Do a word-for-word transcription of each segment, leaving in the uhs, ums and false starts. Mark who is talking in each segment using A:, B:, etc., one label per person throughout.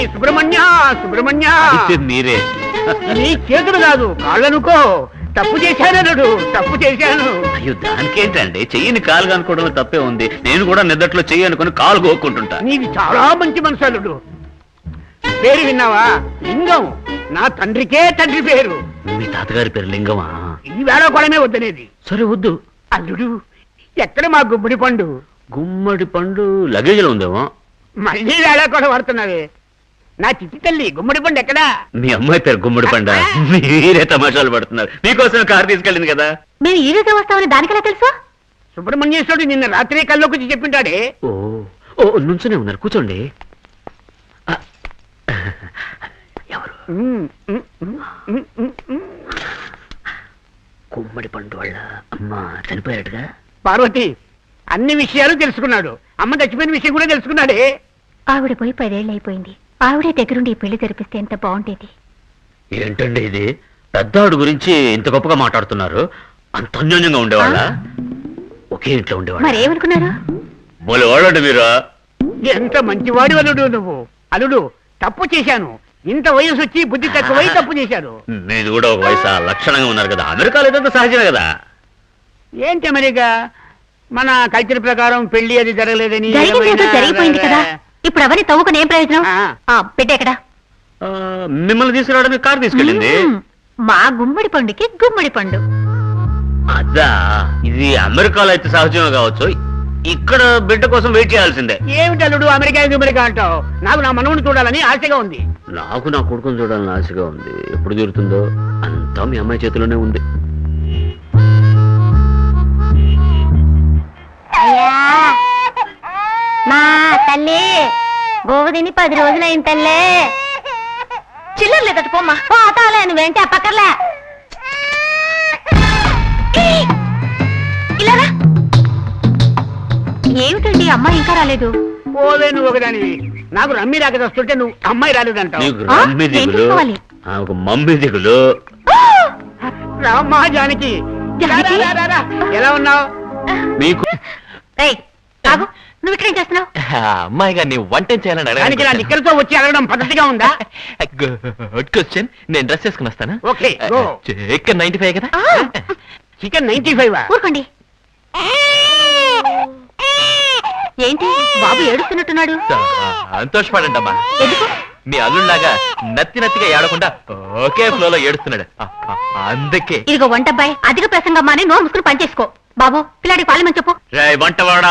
A: సుబ్రహ్మణ్య సుబ్రహ్మణ్య
B: మీరే
A: నీ చేతులు కాదు కాళ్ళనుకో. తప్పు చేశానడు తప్పు చేశాను.
B: అయ్యో దానికేంటండి, చెయ్యిని కాలుగా అనుకోవడంలో తప్పే ఉంది. నేను కూడా నిద్దట్లో చెయ్యి అనుకుని కాలు కోక్కుంటుంటా.
A: నీది చాలా మంచి మనసు అల్లుడు. పేరు విన్నావా? లింగం. నా తండ్రికే తండ్రి పేరు.
B: మీ తాతగారి పేరు లింగమా?
A: ఈ వేళకోవడమే వద్దనేది.
B: సరే వద్దు.
A: అల్లుడు ఎక్కడ మా గుమ్మడి పండు?
B: గుమ్మడి పండు లగేజ్ లో ఉందేమో.
A: మళ్ళీ వేళకోవడం పడుతున్నావే. నా చిట్టి తల్లి గుమ్మడి పండు ఎక్కడా?
B: మీ అమ్మాయి పేరు గుమ్మడి పండ. మీరే తమాషాలు పడుతున్నారు. మీకోసం కారు తీసుకెళ్ళింది కదా.
C: మేము ఈ రోజే వస్తామని దానికెలా తెలుసు?
A: సుబ్రహ్మణ్యేశ్వరుడు నిన్న రాత్రి కల్లోకి చెప్పింటాడే.
B: ఓ ఓ నుంచునే ఉన్నారు, కూర్చోండి. ఎవరు? గుమ్మడి పండు వాళ్ళ అమ్మ చనిపోయాడుగా.
A: పార్వతి అన్ని విషయాలు తెలుసుకున్నాడు. అమ్మ చచ్చిపోయిన విషయం కూడా తెలుసుకున్నాడే.
C: ఆవిడ పోయి పదేళ్ళు అయిపోయింది. ఆవిడే దగ్గరుండి ఈ పెళ్లి జరిపిస్తే ఎంత బాగుండేది.
B: ఏంటండి ఇది? పెద్దవాడు గురించి ఇంత గొప్పగా మాట్లాడుతున్నారు. అంత అన్యోన్యంగా ఉండేవాళ్ళ? ఒకే ఇంట్లో ఉండేవాళ్ళ?
C: మరేమనుకున్నారు?
B: బోలే వాళ్ళండి మీరు.
A: ఎంత మంచివాడి అల్లుడు నువ్వు. అల్లుడు తప్పు చేశాను. ఇంత వయసు వచ్చి బుద్ధి తక్కువై తప్పు చేశారు.
B: మీరు కూడా ఒక వయసు లక్షణంగా ఉన్నారు కదా. అమెరికాలో ఏదో సహజమే కదా.
A: ఏంటి అమెరికా? మన కల్చర్ ప్రకారం పెళ్లి అది జరగలేదని
C: జరిగిపోయింది కదా. ఇప్పుడు అవన్నీ తవ్వుకుని ఏం ప్రయోజనం? పెట్టేక్కడ
B: మిమ్మల్ని తీసుకురావడానికి కారు తీసుకెళ్ళింది.
C: మా గుమ్మడి పండుకి గుమ్మడి పండు.
B: అదా, ఇది అమెరికాలో అయితే సహజమే కావచ్చు. ఇక్కడ బిడ్డ కోసం వెయిట్ చేయాల్సిందే.
A: ఏమిటి అల్లుడు అమెరికా అమెరికా అంటావు? నాకు నా మనవుని చూడాలని ఆశగా ఉంది.
B: నాకు నా కొడుకుని చూడాలని ఆశగా ఉంది. ఎప్పుడు తీరుతుందో అంతా మీ అమ్మాయి చేతిలోనే ఉంది.
C: మా తల్లి గోవదిని పది రోజులైంది తల్లే. చిల్లర లేదట పోమ్మా. పోతాలే నువ్వేంటి ఆ పక్కర్లే. ఇలారా ఏమిటండి అమ్మాయి ఇంకా రాలేదు?
A: పోలే నువ్వు ఒకదానివి. నాకు రమ్మి రాక వస్తుంటే నువ్వు అమ్మాయి రాలేదంటావు.
B: మమ్మీ దిగులు.
A: రామ్మా జానకి ఎలా ఉన్నావు?
B: మీకు
C: నువ్వు ఇక్కడేం చేస్తున్నావు?
D: అమ్మాయి గారిని వంట చేయాలని
A: దానికి నా నిక్కలతో వచ్చి అడగడం పద్ధతిగా ఉందా?
D: Good question. నేను డ్రెస్ చేసుకుని వస్తాను.
A: ఓకే.
D: చికెన్ నైన్టీ ఫైవ్ కదా.
A: చికెన్ నైన్టీ ఫైవ్
C: ఊరుకోండి. ఏంటి బాబు ఏడుస్తున్నట్టున్నాడు?
D: సంతోషపడండి అమ్మా.
C: ఎందుకు?
D: మీ అల్లుళ్ళలాగా నత్తి నత్తిగా ఏడకుండా ఒకే ఫ్లోలో ఏడుస్తున్నాడు అందుకే.
C: ఇదిగో వంటబ్బాయి అధిక ప్రసంగం మాని నోరు ముసుకుని పనిచేసుకో. బాబు పిల్లాడికి పాలమని చెప్పు.
B: వంటవాడా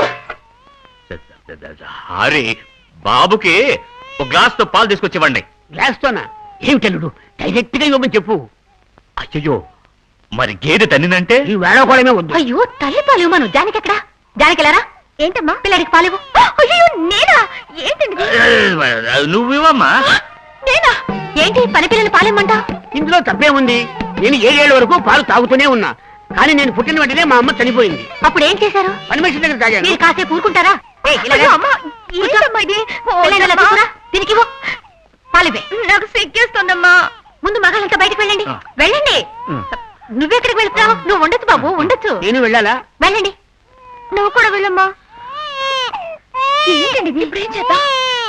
B: హరి, బాబుకి ఒక గ్లాస్ తో పాలు తీసుకొచ్చివ్వండి.
A: గ్లాస్ తోనా? ఏమిటల్లుడు డైరెక్ట్ గా ఇవ్వమని చెప్పు.
B: అయ్యో మరి గేదె తన్నినంటే
A: ఈ వేళకోవడమే వద్దు.
C: అయ్యో తల్లి పాలు ఇవ్వను. జానికి ఎక్కడా? జానికి వెళ్ళారా? ఏంటమ్మా పిల్లాడికి పాలు ఇవ్వు. అయ్యో నేనా? ఏంటండి
B: నువ్వివమ్మా.
C: నేనా? ఏంటి పని పిల్లలు పాలేమంటా?
A: ఇందులో తప్పే ఉంది. నేను ఏడేళ్ల వరకు పాలు తాగుతూనే ఉన్నా. కానీ నేను పుట్టిన వెంటనే మా అమ్మ చనిపోయింది.
C: అప్పుడు ఏం చేశారు?
A: పని మనిషి దగ్గర తాగాను.
C: మీరు కాసేపు ఊరుకుంటారా? దీనికి పాలివే. నాకు సిగ్గేస్తుందమ్మా. ముందు మగాళ్ళంతా బయటకు వెళ్ళండి. వెళ్ళండి. నువ్వెక్కడికి వెళ్తావు? నువ్వు ఉండొచ్చు బాబు, ఉండొచ్చు.
A: నేను వెళ్ళాలా?
C: వెళ్ళండి. నువ్వు కూడా వెళ్ళమ్మా. ఏంటండి ఇప్పుడు ఏం చేద్దాం?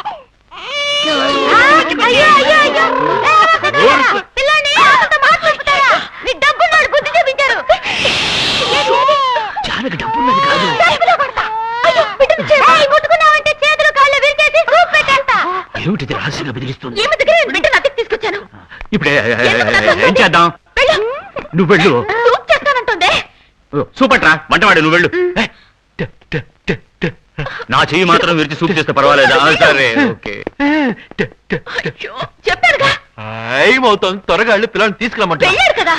C: డబ్బున్నాడు బుద్ధి చూపించారు.
B: జానకి డబ్బున్నది కాదు.
C: ముట్టుకున్నావంటే చేతులు కాళ్ళు విరిచేసి సూప్ పెట్టేస్తా.
B: ఏమిటి రహస్యంగా బెదిరిస్తుంది?
C: ఏమి దగ్గర బిడ్డను అతికి తీసుకొచ్చాను.
B: ఇప్పుడు ఏం చేద్దాం? నువ్వు వెళ్ళు.
C: సూప్ చేస్తానంటుంది.
B: సూపట్రా వంటవాడు, నువ్వు వెళ్ళు. నా చెయ్యి మాత్రం విరిచి సూప్ చేస్తే పర్వాలేదా? సరే ఓకే.
C: చెప్పారుగా
D: ఏమవుతుంది? త్వరగా వెళ్ళి పిల్లల్ని తీసుకురమ్మంటా.
C: వెళ్ళాడు కదా.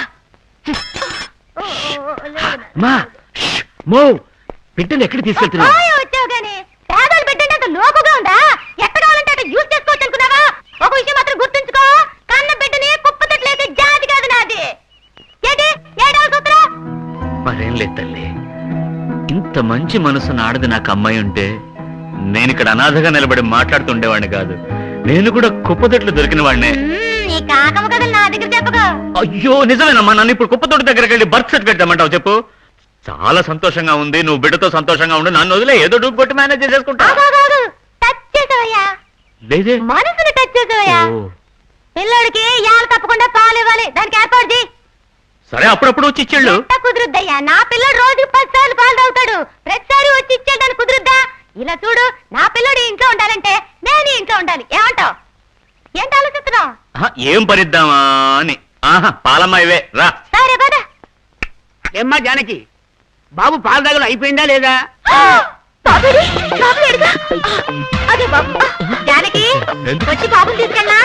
B: బిడ్డను ఎక్కడ తీసుకెళ్తున్నా?
C: వచ్చావు గానీ పేదలు బిడ్డంటే అంత లోకుగా ఉందా? ఎక్కడ కావాలంటే అక్కడ యూజ్ చేసుకోవచ్చు అనుకున్నావా? ఒక విషయం మాత్రం గుర్తుంచుకో, కన్న బిడ్డని కుప్పతట్లేసే జాతి కాదు నాది. ఏంటి ఏడవ సూత్రం?
B: మరేం లేదు తల్లి, ఇంత మంచి మనసు నాడది నాకు అమ్మాయి ఉంటే నేను ఇక్కడ అనాథగా నిలబడి మాట్లాడుతుండేవాడిని కాదు. నేను కూడా కుప్పతొట్లు దొరికిన వాడినే.
C: నీ కాకమ్మ కథలు నా దగ్గర చెప్పగా.
B: అయ్యో నిజమేనమ్మా, నన్ను ఇప్పుడు కుప్పతోటి దగ్గరికి వెళ్ళి బర్త్ సర్టిఫికేట్ తెమ్మంటావు చెప్పు. చాలా సంతోషంగా ఉంది, నువ్వు బిడ్డతో సంతోషంగా ఉండు, నన్ను వదిలే ఏదో డూపు కొట్టి మేనేజ్ చేసేసుకుంటా.
C: టచ్ చేసావయ్యా,
B: లేదే
C: మనసుని వచ్చేసావయ్యా
B: ఓ,
C: పిల్లోడికి యాలు తప్పకుండా పాలు ఇవ్వాలి దానికి ఏర్పాటు చేయి
B: సరే అప్పుడప్పుడు వచ్చి ఇచ్చేళ్ళు
C: ఎంత కుదురుద్దయ్యా నా పిల్లడు రోజుకి పది సార్లు పాలు తాగుతాడు ప్రతిసారి వచ్చి ఇచ్చేయడానికి కుదురుద్దా ఇలా చూడు నా పిల్లడు ఇంట్లో ఉండాలంటే నేను ఈ ఇంట్లో ఉండాలి ఏమంటావు ఏంటి ఆలోచిస్తున్నావు
B: ఆహా, ఏం పరిద్దామా అని ఆహా పాలమ్మ ఇవే రా
C: సరే పద
A: ఏమ్మా జానకి బాబు పాల దగ్గర అయిపోయిందా లేదా
C: బాబుడి, బాబు ఏడుగా? అదే బాబు జానకి
D: ఎందుకు?
C: వచ్చి బాబుని తీసుకెళ్ళా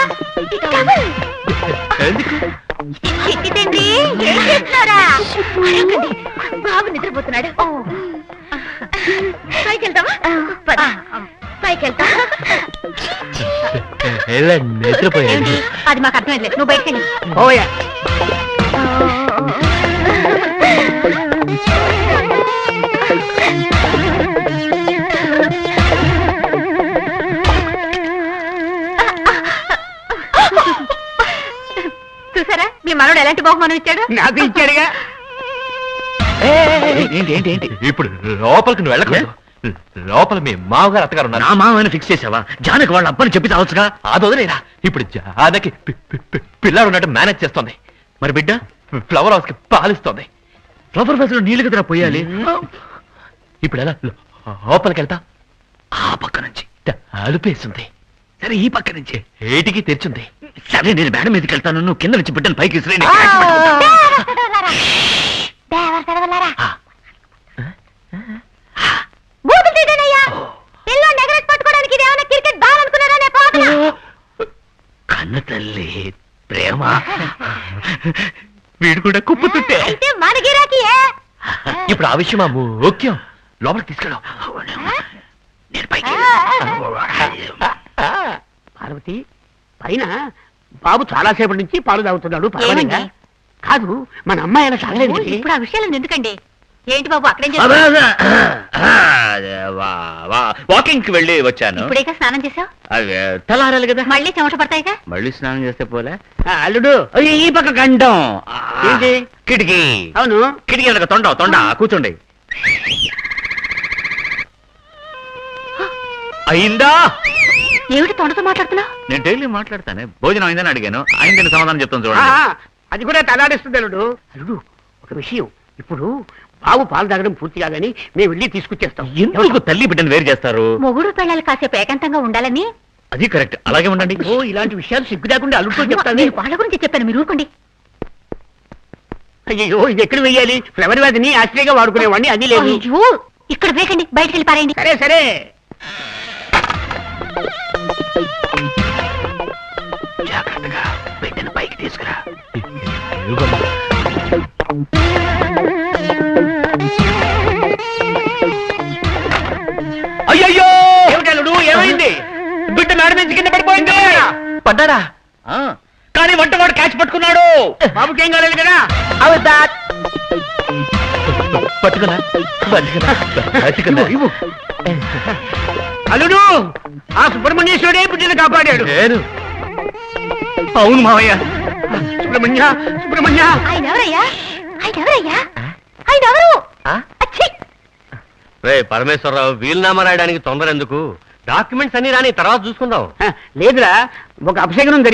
D: ఎందుకు
C: చిట్టి తండ్రి ఏం చేస్తున్నారా అడగండి. బాబు నిద్రపోతున్నాడు పైకి వెళ్తావా పద. పైకి వెళ్తా
D: ఎలా నిద్రపోయాడు
C: ఏంటి అది మాకు అర్థమైంది నువ్వు బయటకు వెళ్ళి
A: ఓయా
C: చూసారా మీ మనోడు ఎలాంటి బహుమానం ఇచ్చాడు
A: నాకు ఇచ్చాడుగా
B: ఏంటి ఏంటి ఏంటి
D: ఇప్పుడు లోపలికి నువ్వు వెళ్ళకూడదు లోపల మీ మామగారు అత్తగారు ఉన్నారు
B: నా మామని ఫిక్స్ చేసావా జానకి వాళ్ళ అబ్బని చెప్పి చావచ్చుగా
D: అది వదిలేరా ఇప్పుడు జానకి పి- పి- పి- పిల్లాడు ఉన్నట్టు మేనేజ్ చేస్తుంది
B: మరి బిడ్డ
D: ఫ్లవర్ హౌస్ కి పాలిస్తుంది
B: ఫ్లవర్ బస్ లో నీళ్లు కదరా పోయాలి
D: ఇప్పుడు ఎలా లో- లోపలికి వెళ్తా
B: ఆ పక్క నుంచి
D: అలుపేస్తుంది
B: సరే ఈ పక్క నుంచి
D: ఏటికి తెరిచింది
B: సరే నేను మేడం మీదకి వెళ్తాను నువ్వు కింద నుంచి బిడ్డను పైకి విసిరేయ్, నేను
C: ఆ!
B: క్యాచ్ పట్టుకుంటా.
C: దేవర సడవలారా. దేవర సడవలారా. బూతులు తీయడనయ్యా. పిల్లోడిని ఎగరేసి పట్టుకోవడానికి ఇది ఏమైనా క్రికెట్ బాల్ అనుకున్నారా నే పోతనా?
B: కన్న తల్లి ప్రేమ వీడు కూడా కుప్పు తుట్టే
C: అయితే మన గిరాకీయే.
D: ఇప్పుడు ఆ విషయం ఆ ముఖ్యం లోపలికి తీసుకెళ్ళాం
B: నేను పైకి
A: పార్వతి పైన బాబు చాలా సేపటి నుంచి పాలు తాగుతున్నాడు పర్వాలేదా?
C: ఏమండి?
A: కాదు మన అమ్మాయి అలా తాగలేదు
C: ఓ,
A: ఏంటి?
C: ఇప్పుడు ఆ విషయాలు ఎందుకండి ఏంటి బాబు అక్కడేం
B: అబ్బా,
C: చేస్తావు
B: అదే, వా- వా- వాకింగ్ కి వెళ్ళి వచ్చాను
C: ఇప్పుడేగా స్నానం చేసావు
B: అవి తెల్లారాలి కదా
C: మళ్ళీ చెమట పడతాయిగా
B: మళ్ళీ స్నానం చేస్తే పోలే
A: ఆ, అల్లుడు
B: అయ్యో, ఈ పక్క గండం ఆ,
A: ఏంటి?
B: కిటికీ
A: అవును
B: కిటికీ వెనక తొండ తొండ కూర్చోండి అయిందా
C: ఏమిటి తొండతో మాట్లాడుతున్నావు
B: నేను డైలీ మాట్లాడతానే భోజనం అయిందని అడిగాను అయిందని సమాధానం చెప్తాను
A: ఆ,
B: చూడండి
A: అది కూడా తలాడిస్తుంది అల్లుడు అల్లుడు ఒక విషయం ఇప్పుడు బాబు పాలు తాగడం పూర్తి కాదని మేము వెళ్ళి తీసుకొచ్చేస్తాం
B: ఎందుకు తల్లి బిడ్డను వేరు చేస్తారు
C: మొగుడు పిల్లలు కాసేపు ఏకాంతంగా ఉండాలని
B: అది కరెక్ట్ అలాగే ఉండండి
A: ఓ ఇలాంటి విషయాలు సిగ్గు లేకుండా అల్లుడితో చెప్తాను
C: నేను వాళ్ళ గురించి చెప్పాను మీరు ఊరుకోండి
A: అయ్యో ఇది ఎక్కడ వెయ్యాలి ఫ్లవర్ వ్యాధిని ఆశ్చర్యంగా వాడుకునేవాడిని అది లేదు
C: అయ్యో ఇక్కడ వేకండి బయటికి వెళ్ళి పారేయండి
A: సరే సరే
B: జాగ్రత్తగా బిడ్డను పైకి తీసుకురా
A: అయ్యయ్యో ఏమిటి అల్లుడు ఏమైంది బిడ్డ మేడ నుంచి కింద పడిపోయింది
D: పడ్డారా
B: ఆ, కానీ వంటవాడు క్యాచ్ పట్టుకున్నాడు
A: బాబుకేం కాలేదు కదా
D: పట్టుకున్నా పట్టుకున్నా పట్టుకున్నా
A: ఇవ్వు, ఇవ్వు. అల్లుడు ఆ సుబ్రహ్మణ్యేశ్వరుడే బిడ్డను కాపాడాడు
D: నేను
B: అవును మావయ్య
A: సుబ్రహ్మణ్య సుబ్రహ్మణ్య
C: ఆయన ఎవరయ్యా ఆయన ఎవరయ్యా ఆయన ఎవరు
D: ఆ?
C: అచ్చి
D: రే పరమేశ్వరరావు వీలునామా రాయడానికి తొందర ఎందుకు డాక్యుమెంట్స్ అన్ని రాని తర్వాత చూసుకుందాం
A: లేదురా ఒక అపశకనం జరిగింది